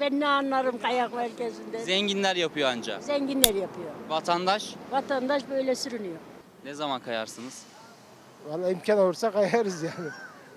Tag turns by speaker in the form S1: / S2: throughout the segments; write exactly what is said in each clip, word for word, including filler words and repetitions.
S1: Ben ne anlarım kayak merkezinde.
S2: Zenginler yapıyor anca.
S1: Zenginler yapıyor.
S2: Vatandaş
S1: Vatandaş böyle sürünüyor.
S2: ne zaman kayarsınız?
S3: Vallahi imkan olursa kayarız yani.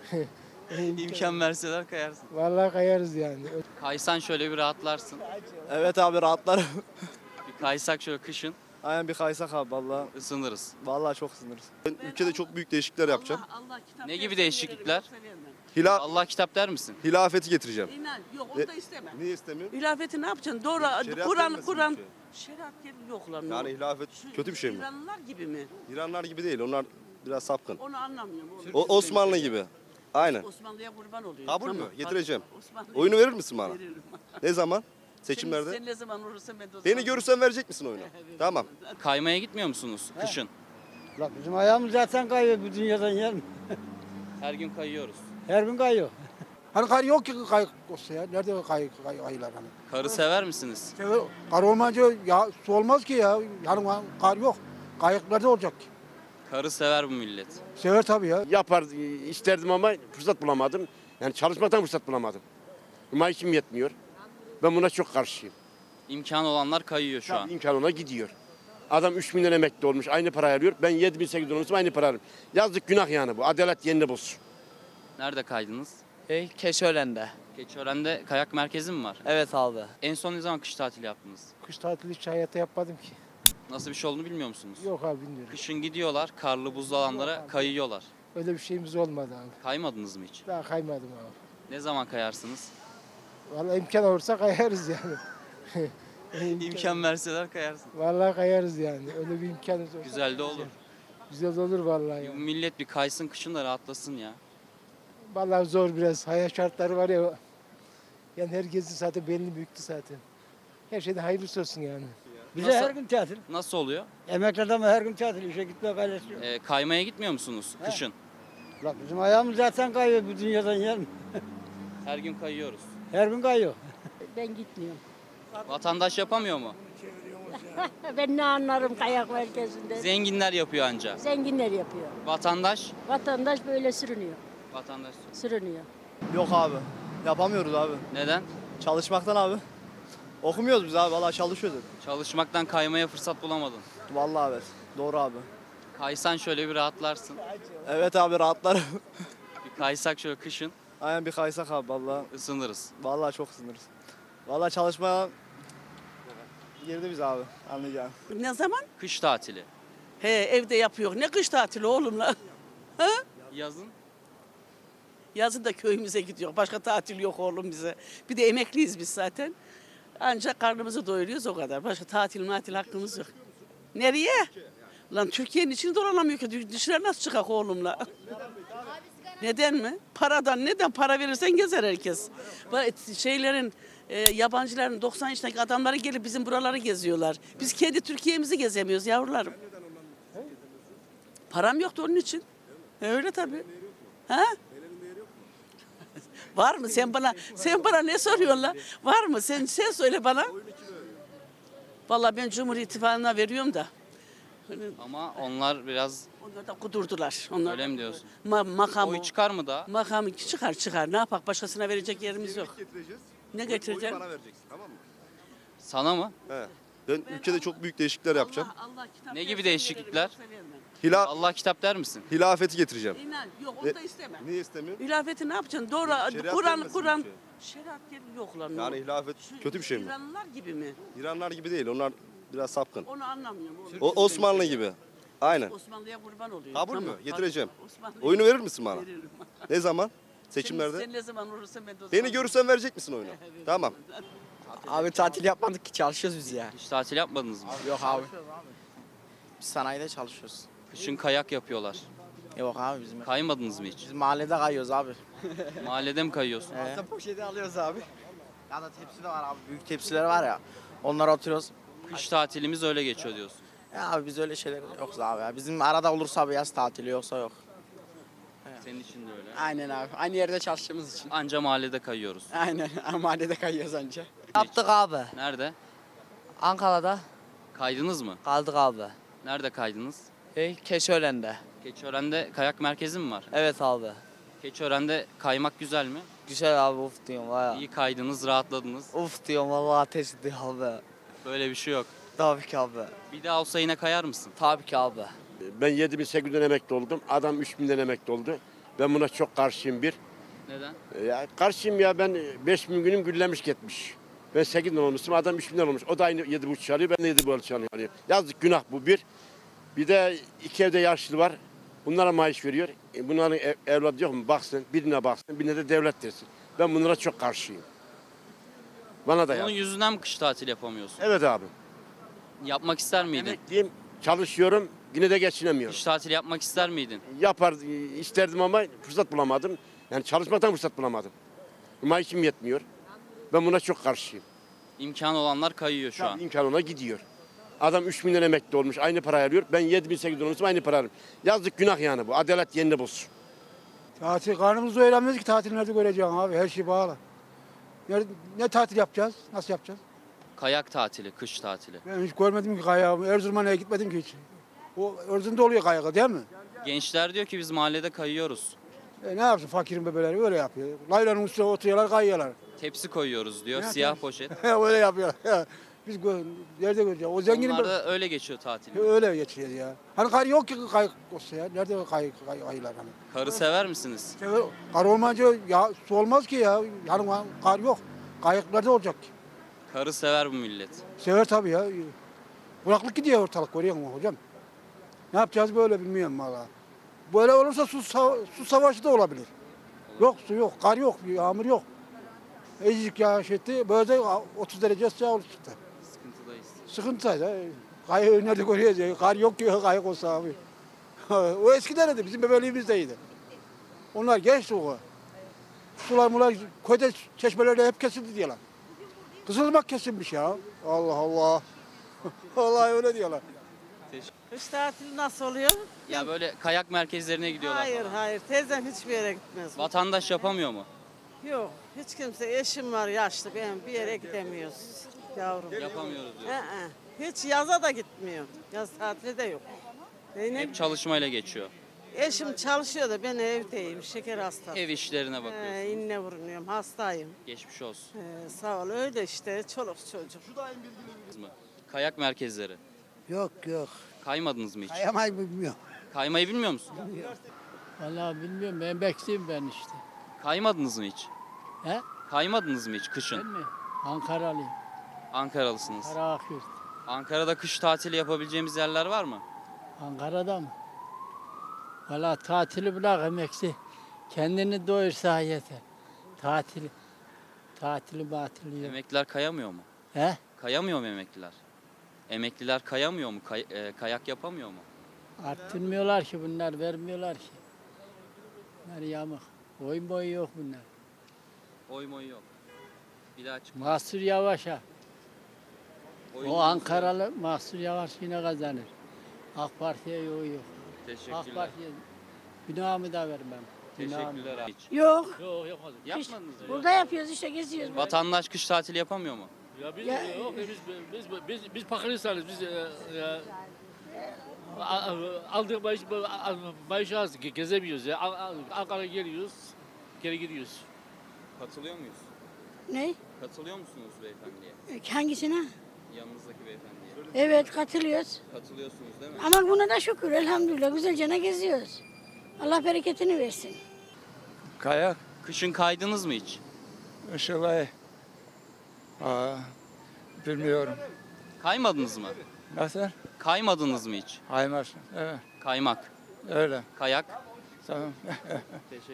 S2: İmkan verseler kayarsın.
S3: Vallahi kayarız yani.
S2: Kaysan şöyle bir rahatlarsın.
S4: Evet abi rahatlarım.
S2: Bir kaysak şöyle kışın
S4: Aynen bir kaysak abi vallahi.
S2: ısınırız.
S4: Vallahi çok sınırız.
S5: Ben ülkede çok büyük değişiklikler yapacağım.
S2: Ne gibi değişiklikler?
S5: Hila,
S2: Allah kitap der misin?
S5: hilafeti getireceğim.
S6: İnan yok onu da istemem.
S5: Niye istemiyorum?
S6: İlafeti ne yapacaksın? Doğru
S5: Şeriat
S6: Kur'an
S5: gelmesin
S6: Kur'an
S5: ülkeye.
S6: şeriat gel yok lan.
S5: Yani hilafet kötü bir şey mi?
S6: İranlılar gibi mi?
S5: İranlar gibi değil. Onlar biraz sapkın.
S6: Onu anlamıyorum. oğlum.
S5: O Osmanlı gibi. Aynen.
S6: Osmanlı'ya kurban oluyor.
S5: Kabul mü? Getireceğim.
S6: Osmanlı'ya
S5: Oyunu verir misin bana?
S6: veririm.
S5: Ne zaman?
S6: Sen,
S5: Seçimlerde.
S6: sen ne zaman olursa ben de o zaman.
S5: Beni görürsen verecek misin oyunu? Tamam.
S2: Kaymaya gitmiyor musunuz kışın?
S7: La bizim ayağımız zaten kayıyor bu dünyadan yer mi?
S2: Her gün kayıyoruz.
S7: Her gün kayıyor.
S3: Hani kar yok ki kay olsa ya. Nerede kay, kay, kayılar hani?
S2: Karı sever misiniz?
S3: Sever- Kar olmayınca ya su olmaz ki ya. Yani kar yok. Kayık nerede olacak ki?
S2: Karı sever bu millet.
S3: Sever tabii ya.
S8: Yapar isterdim ama fırsat bulamadım. Yani çalışmaktan fırsat bulamadım. Maaşım yetmiyor. Ben buna çok karşıyım.
S2: İmkan olanlar kayıyor şu an.
S8: İmkan ona gidiyor. Adam üç bin lira emekli olmuş, aynı parayı alıyor. Ben yedi bin sekiz bin olmuşum, aynı parayı alıyorum. Yazık günah yani bu. Adalet yerini bulsun.
S2: Nerede kaydınız?
S9: E, Keşören'de.
S2: Keçiören'de kayak merkezi mi var?
S9: Evet abi.
S2: En son ne zaman kış tatili yaptınız?
S3: Kış tatili hiç hayatta yapmadım ki.
S2: Nasıl bir şey olduğunu bilmiyor musunuz?
S3: Yok abi bilmiyorum.
S2: Kışın gidiyorlar, karlı buzlu alanlara
S3: Yok abi.
S2: kayıyorlar.
S3: Öyle bir şeyimiz olmadı abi.
S2: Kaymadınız mı hiç?
S3: Daha kaymadım abi.
S2: Ne zaman kayarsınız?
S3: Vallahi imkan olursa kayarız yani.
S2: İmkan verseler kayarsın.
S3: Vallahi kayarız yani. Öyle bir imkanımız olsa.
S2: Güzel de olur.
S3: Güzel olur vallahi
S2: Bu
S3: ya.
S2: millet bir kaysın kışın da rahatlasın ya.
S3: Vallahi zor biraz. Hayat şartları var ya. Yani herkesin zaten belini büktü zaten. Her şeyde hayırlısı olsun yani.
S7: Bize
S2: Nasıl?
S7: her gün tatil.
S2: Nasıl oluyor?
S7: Emekli adamı her gün tatil. İşe gitmek ailesi yok.
S2: Ee, kaymaya gitmiyor musunuz kışın?
S7: La bizim ayağımız zaten kayıyor bu dünyadan yer mi?
S2: Her gün kayıyoruz.
S7: Her gün kayıyor.
S1: Ben gitmiyorum.
S2: Vatandaş yapamıyor mu?
S1: Ben ne anlarım kayak merkezinde.
S2: Zenginler yapıyor anca.
S1: Zenginler yapıyor.
S2: Vatandaş?
S1: Vatandaş böyle sürünüyor.
S2: Vatandaş.
S1: Sürünüyor.
S4: Yok abi. Yapamıyoruz abi.
S2: Neden?
S4: Çalışmaktan abi. Okumuyoruz biz abi. Vallahi çalışıyoruz.
S2: Çalışmaktan kaymaya fırsat bulamadın.
S4: Vallahi evet. Doğru abi.
S2: Kaysan şöyle bir rahatlarsın.
S4: Evet abi rahatlarım.
S2: Bir kaysak şöyle kışın
S4: Aynen bir kaysak abi vallahi.
S2: ısınırız.
S4: Vallahi çok sınırız. Vallahi çalışmaya girdi biz abi. Anlayacağım.
S6: Ne zaman?
S2: Kış tatili.
S6: He evde yapıyor. Ne kış tatili oğlum lan? Ha?
S2: Yazın
S6: Yazın da köyümüze gidiyor. Başka tatil yok oğlum bize. Bir de emekliyiz biz zaten. Ancak karnımızı doyuruyoruz o kadar. Başka tatil matil hakkımız yok. Nereye? Lan Türkiye'nin içini dolanamıyor ki. Dışarı nasıl çıkak oğlumla? Neden mi? Paradan. Neden? Para verirsen gezer herkes. Bak, şeylerin, e, yabancıların doksan yaşındaki adamları gelip bizim buraları geziyorlar. Biz kendi Türkiye'mizi gezemiyoruz yavrularım. Param yoktu onun için. E, öyle tabii. Ha? Var mı? Sen bana sen bana ne soruyorsun lan? Var mı? Sen sen söyle bana. Vallahi ben Cumhur İttifakı'na veriyorum da.
S2: ama onlar biraz
S6: Onlar da kudurdular. Onlar
S2: öyle mi diyorsun?
S6: Ma makamı,
S2: Oy çıkar mı da?
S6: makamı çıkar çıkar. Ne yapak? Başkasına verecek yerimiz yok.
S5: Getireceğiz.
S6: Ne
S5: Oyu
S6: getireceksin?
S5: bana vereceksin. Tamam mı?
S2: Sana mı?
S5: He. Ben ülkede çok büyük değişiklikler yapacağım.
S6: Allah, Allah kitap
S2: Ne gibi
S6: versin,
S2: değişiklikler?
S6: veririm, yoksa vermem.
S5: Hila,
S2: Allah kitap der misin?
S5: hilafeti getireceğim.
S6: İnan yok
S5: Ne-
S6: onu da istemem.
S5: Niye istemiyorum?
S6: İlafeti ne yapacaksın? Doğru
S5: Şeriat
S6: Kur'an
S5: gelmesin
S6: Kur'an
S5: ülkeye.
S6: şeriat gel yok lan.
S5: Yani hilafet kötü bir şey mi?
S6: İranlılar gibi mi?
S5: İranlar gibi değil. Onlar biraz sapkın.
S6: Onu anlamıyorum. oğlum.
S5: O Osmanlı gibi. Aynen.
S6: Osmanlı'ya kurban oluyor.
S5: Kabul mü?
S6: Tamam,
S5: Getireceğim.
S6: Osmanlı'ya
S5: Oyunu verir misin bana?
S6: veririm.
S5: Ne zaman?
S6: Sen,
S5: Seçimlerde.
S6: sen ne zaman olursa ben de o
S5: Beni
S6: zaman-
S5: görürsen verecek misin oyunu? Tamam.
S9: Abi tatil yapmadık ki çalışıyoruz biz ya.
S2: Hiç tatil yapmadınız mı?
S9: Yok abi. Biz sanayide çalışıyoruz.
S2: Kışın kayak yapıyorlar.
S9: Yok abi bizim.
S2: Kaymadınız mı hiç?
S9: Biz mahallede kayıyoruz abi.
S2: Mahallede mi kayıyorsun?
S9: Ee, poşeti alıyoruz abi. Ya da tepsi de var abi. Büyük tepsiler var ya. Onlara oturuyoruz.
S2: Kış tatilimiz öyle geçiyor diyorsun.
S9: Ya abi biz öyle şeyler yoksa abi ya. Bizim arada olursa abi yaz tatili yoksa yok.
S2: Senin için de öyle.
S9: Aynen abi. Aynı yerde çalıştığımız için.
S2: Anca mahallede kayıyoruz.
S9: Aynen. Mahallede kayıyoruz anca.
S10: Yaptık abi.
S2: Nerede?
S10: Ankara'da
S2: Kaydınız mı?
S10: kaldık abi.
S2: Nerede kaydınız?
S10: E, Keşören'de.
S2: Keçiören'de kayak merkezi mi var?
S10: Evet abi.
S2: Keçiören'de kaymak güzel mi?
S10: Güzel abi uf diyorum valla.
S2: İyi kaydınız, rahatladınız.
S10: Uf diyorum valla ateş ediyor abi.
S2: Böyle bir şey yok.
S10: Tabii ki abi.
S2: Bir daha olsa yine kayar mısın?
S10: Tabii ki abi.
S8: Ben yedi bin sekiz yüzden emekli oldum. Adam üç binden emekli oldu. Ben buna çok karşıyım bir.
S2: Neden?
S8: Ya karşıyım ya, ben beş bin günüm güllemiş gitmiş. Ben sekiz binden olmuşum, adam üç binden olmuş. O da aynı yedi buçuk alıyor, ben de yedi buçuk alıyorum. Yani yazık, günah bu bir. Bir de iki evde yaşlı var. Bunlara maaş veriyor. E bunların ev, evladı yok mu? Baksın, birine baksın, birine de devlet desin. Ben bunlara çok karşıyım. Bana da
S2: Onun
S8: yaz.
S2: yüzünden mi kış tatil yapamıyorsun?
S8: Evet abi.
S2: Yapmak ister miydin?
S8: Emekliyim, çalışıyorum, yine de geçinemiyorum.
S2: Kış tatil yapmak ister miydin?
S8: Yapar isterdim ama fırsat bulamadım. Yani çalışmaktan fırsat bulamadım. Maaşım yetmiyor. Ben buna çok karşıyım.
S2: İmkan olanlar kayıyor şu an.
S8: İmkan ona gidiyor. Adam üç milyon emekli olmuş, aynı parayı alıyor. Ben yedi bin sekiz yüz olmuşum, aynı parayı alıyorum. Yazık, günah yani bu. Adalet yerini bulsun.
S3: Tatil karnımızı doyuramıyoruz ki tatil nerede göreceğim abi her şey bağlı. Ne, ne tatil yapacağız? Nasıl yapacağız?
S2: Kayak tatili, kış tatili.
S3: Ben hiç görmedim ki kayağı. Erzurum'a neye gitmedim ki hiç. O Erzurum'da oluyor kayağı değil mi?
S2: Gençler diyor ki biz mahallede kayıyoruz.
S3: E ne yapsın fakirin bebeleri öyle yapıyor. Laylanın üstüne oturuyorlar kayıyorlar.
S2: Tepsi koyuyoruz diyor,
S3: Ya,
S2: siyah
S3: tabii.
S2: poşet.
S3: öyle yapıyor. Biz gö- nerede göreceğiz? O zenginin
S2: Onlar da öyle geçiyor tatil.
S3: öyle geçiyor ya. Hani kar yok ki kay olsa ya. Nerede kay, kay, kayılar hani?
S2: Karı sever misiniz?
S3: İşte kar olmayınca ya su olmaz ki ya. Yani kar yok. Kayıklarda olacak ki.
S2: Karı sever bu millet.
S3: Sever tabii ya. Kuraklık gidiyor ortalık, görüyor musun hocam? Ne yapacağız böyle bilmiyorum valla. Böyle olursa su, sa- su savaşı da olabilir. Yok su yok, kar yok, yağmur yok. Ecik yağış etti, böyle de otuz derece sıcak olur işte.
S2: Sıkıntıdayız.
S3: Sıkıntıydı. Kayığı nerede görüyoruz ya? Kar yok ki kayık olsa abi. O eskiden de bizim bebeliğimizdeydi. Onlar geçti o. Sular mular köyde çeşmelerde hep kesildi diyorlar. Kızılırmak kesilmiş ya. Allah Allah. Vallahi öyle diyorlar.
S6: Kış tatili nasıl oluyor?
S2: Ya böyle kayak merkezlerine gidiyorlar
S6: Hayır
S2: falan.
S6: hayır teyzem hiçbir yere gitmez.
S2: Vatandaş yapamıyor mu?
S6: Yok hiç kimse eşim var yaşlı ben bir yere gidemiyoruz yavrum.
S2: Yapamıyoruz diyor.
S6: Ee, hiç yaza da gitmiyor. Yaz tatili de yok. Benim
S2: Hep çalışmayla geçiyor.
S6: eşim çalışıyor da ben evdeyim şeker hastası.
S2: Ev işlerine bakıyorsun.
S6: Ee, inne vurunuyorum hastayım.
S2: Geçmiş olsun.
S6: Ee, sağ ol öyle işte çoluk çocuk.
S2: Mı? Kayak merkezleri.
S7: Yok yok.
S2: Kaymadınız mı hiç?
S7: Kayamayı bilmiyorum.
S2: Kaymayı bilmiyor musun?
S7: Vallahi bilmiyorum. Emekliyim ben işte.
S2: Kaymadınız mı hiç?
S7: He?
S2: Kaymadınız mı hiç
S7: Ben
S2: kışın?
S7: mi? Ankaralıyım.
S2: Ankaralısınız.
S7: Karakyurt.
S2: Ankara'da kış tatili yapabileceğimiz yerler var mı?
S7: Ankara'da mı? Valla tatili bırak emekli. Kendini doyursa yeter. Tatil, tatili batili yok.
S2: Emekliler kayamıyor mu?
S7: He?
S2: Kayamıyor mu emekliler? Emekliler kayamıyor mu? Kay- e, kayak yapamıyor mu?
S7: Arttırmıyorlar ki bunlar, vermiyorlar ki. Bunlar yamuk. Boyun boyu yok bunlar.
S2: Oy moy yok. Bir daha çık.
S7: Mahsur Yavaş'a.
S2: Oyun
S7: O
S2: yok.
S7: Ankaralı Mahsur Yavaş yine kazanır. AK Parti'ye yol yok. AK
S2: Teşekkürler.
S7: Parti'ye günahımı da vermem. Günahımı.
S2: Teşekkürler abi.
S1: Yok.
S7: Yok yapmadım.
S2: Yapmadınız mı?
S1: Burada yapıyoruz işte geziyoruz.
S2: Vatandaş kış tatili yapamıyor mu?
S7: Ya biz
S1: Ya-
S7: yok biz biz biz biz Pakistan'ız biz e, e, a- a- aldık maaş maaş az ge- gezemiyoruz ya. An- An- Ankara geliyoruz, geri gidiyoruz.
S2: Katılıyor muyuz?
S1: Ne?
S2: Katılıyor musunuz beyefendiye?
S1: Hangisine?
S2: Yanınızdaki beyefendiye.
S1: Evet katılıyoruz.
S2: Katılıyorsunuz değil mi?
S1: Ama buna da şükür elhamdülillah güzelce geziyoruz. Allah bereketini versin.
S11: Kayak,
S2: Kışın kaydınız mı hiç?
S11: Işılay. Aa, bilmiyorum.
S2: Kaymadınız mı?
S11: Nasıl?
S2: Kaymadınız mı hiç?
S11: Haymarsın. Evet,
S2: Kaymak,
S11: öyle.
S2: kayak.
S11: Tamam.